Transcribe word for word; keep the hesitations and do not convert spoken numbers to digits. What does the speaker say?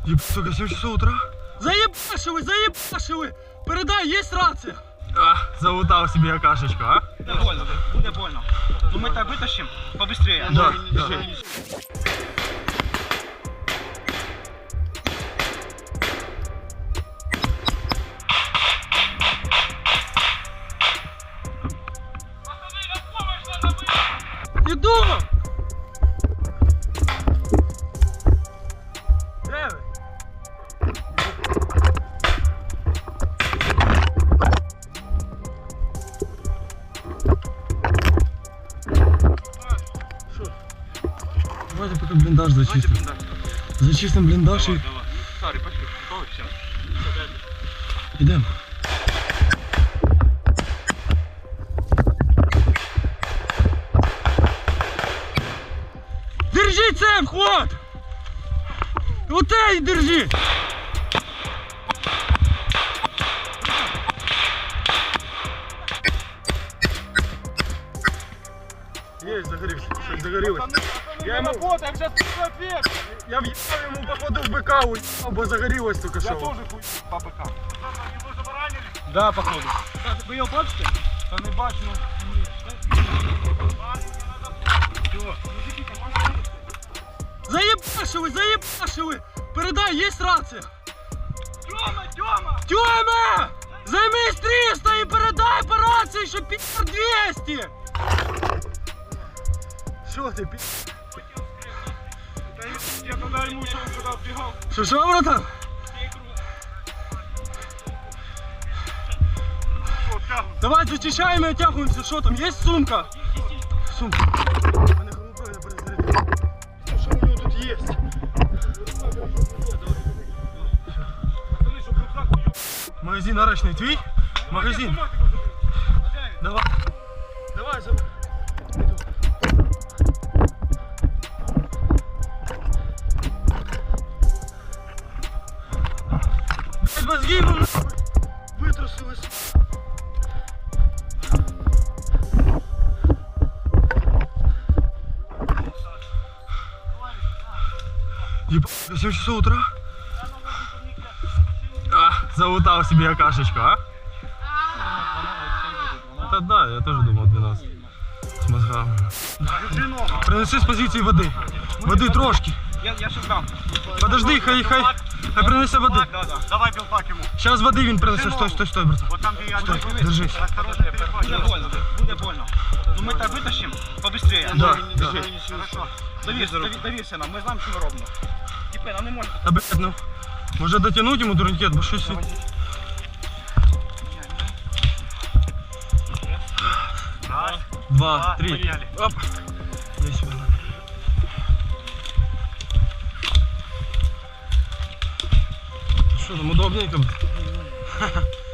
Еб, сука, семь часов утра? Заебашивай, заебашивай! Передай, есть рация! А, залутал себе окашечку, а? Буде больно, буде больно. Ну мы так вытащим побыстрее. Да, да. Иду! Де ви? Що? Давайте пока блиндаж зачистим. Зачистим блиндаж и Сори, пошли. Ой, все. идем. Держи цем, хват! Вот эй, держи! Есть, загорелся. Загорелось. Я ему, работаем, сейчас ответ. я въебал ему походу в быка уебал, бо загорелось только Я что. тоже хуй по быкам. Его забаранили? Да, походу. Ви його бачите? Та не бачу, ну. Заебашивай, заебашивай! Передай, есть рация! Тьома, Тьома! Тёма! Займись триста и передай по рации, что пи*** двести! Что ты, пи***? Я тогда ему еще когда бегал. Что, что, братан? Давай зачищаем и оттягиваемся. Что там, есть сумка? Сумка. Мене голубой не перезарядив. Що у нього тут є? Магазин арочний твій? Магазин. Давай. Давай, заб... Блядь, мозги ему нахуй витрусились. Ебать, семь часов утра? А, залутал себе окашечку, а? Это да, я тоже думал двенадцать. С мозгами. Принеси с позиции воды. Воды трошки. Я, я ще дам. Подожди, хай, хай, хай принесе води. Да, да. Давай білпак йому. Сейчас води він принесе. Стой, стой, стой, брат. Вот там, где я Стой, держись. Осторожно, буде больно, буде больно. Ну ми так витащимо побыстрее. Да, да. Хорошо. Довірся, дові- довірся нам, ми знаємо, що ми робимо. Тіпи, нам не можна. Та, блядь, ну. Може дотянуть йому турнікет, бо щось... він- Раз, Два, три. поняли. Оп. Здесь сюда. Что там, удобненько?